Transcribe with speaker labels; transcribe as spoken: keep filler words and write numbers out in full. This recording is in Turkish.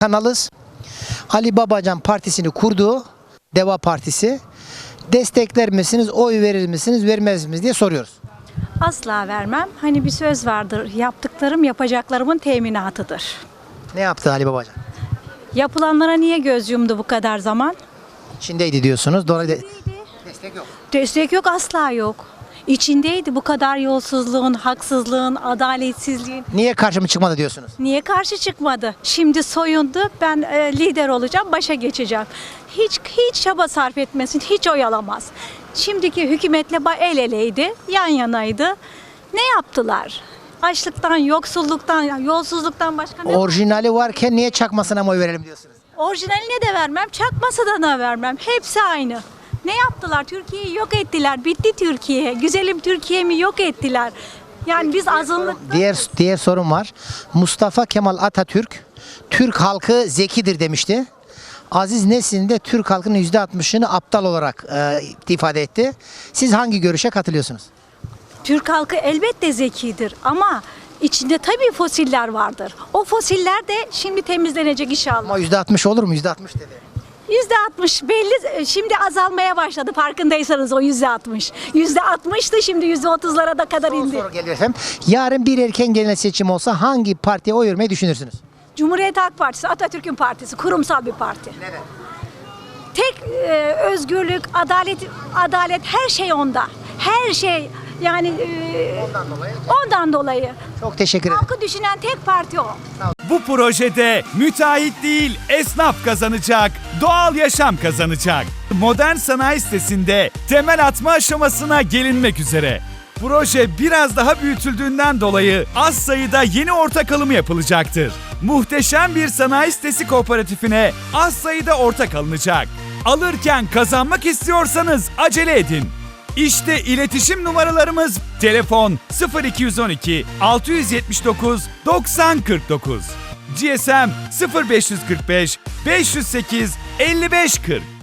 Speaker 1: kanalız. Ali Babacan Partisi'ni kurdu. Deva Partisi. Destekler misiniz, oy verir misiniz, vermez misiniz diye soruyoruz.
Speaker 2: Asla vermem. Hani bir söz vardır. Yaptıklarım yapacaklarımın teminatıdır.
Speaker 1: Ne yaptı Ali Babacan?
Speaker 2: Yapılanlara niye göz yumdu bu kadar zaman?
Speaker 1: İçindeydi diyorsunuz. Dolayısıyla destek yok.
Speaker 2: Destek yok, asla yok. İçindeydi bu kadar yolsuzluğun, haksızlığın, adaletsizliğin.
Speaker 1: Niye karşıma çıkmadı diyorsunuz?
Speaker 2: Niye karşı çıkmadı? Şimdi soyundu. Ben e, lider olacağım, başa geçeceğim. Hiç hiç çaba sarf etmesin, hiç oyalamaz. Şimdiki hükümetle ba- el eleydi, yan yanaydı. Ne yaptılar? Açlıktan, yoksulluktan, yolsuzluktan başka ne?
Speaker 1: Orijinali varken niye çakmasına mı oy verelim diyorsunuz?
Speaker 2: Orijinaline de vermem, çakmasına da vermem. Hepsi aynı. Ne yaptılar? Türkiye'yi yok ettiler. Bitti Türkiye. Güzelim Türkiye'mi yok ettiler. Yani biz azınlık...
Speaker 1: Diğer diğer sorun var. Mustafa Kemal Atatürk Türk halkı zekidir demişti. Aziz Nesin de Türk halkının yüzde altmışını aptal olarak e, ifade etti. Siz hangi görüşe katılıyorsunuz?
Speaker 2: Türk halkı elbette zekidir ama içinde tabii fosiller vardır. O fosiller de şimdi temizlenecek inşallah.
Speaker 1: Ama yüzde altmış olur mu? Yüzde altmış dedi.
Speaker 2: yüzde altmış belli, şimdi azalmaya başladı farkındaysanız o yüzde altmış. yüzde altmıştı, şimdi yüzde otuzlara da kadar
Speaker 1: Son
Speaker 2: indi.
Speaker 1: soru geliyor efendim. Yarın bir erken genel seçim olsa hangi partiye oy vermeyi düşünürsünüz?
Speaker 2: Cumhuriyet Halk Partisi, Atatürk'ün partisi, kurumsal bir parti.
Speaker 1: Neden?
Speaker 2: Tek e, özgürlük, adalet, adalet her şey onda. Her şey yani e,
Speaker 1: Ondan dolayı.
Speaker 2: ondan dolayı.
Speaker 1: Çok teşekkür ederim.
Speaker 2: Halkı düşünen tek parti o.
Speaker 3: Bu projede müteahhit değil esnaf kazanacak, doğal yaşam kazanacak. Modern sanayi sitesinde temel atma aşamasına gelinmek üzere. Proje biraz daha büyütüldüğünden dolayı az sayıda yeni ortak alımı yapılacaktır. Muhteşem bir sanayi sitesi kooperatifine az sayıda ortak alınacak. Alırken kazanmak istiyorsanız acele edin. İşte iletişim numaralarımız: telefon sıfır iki yüz on iki altı yüz yetmiş dokuz doksan kırk dokuz, G S M sıfır beş yüz kırk beş beş yüz sekiz elli beş kırk.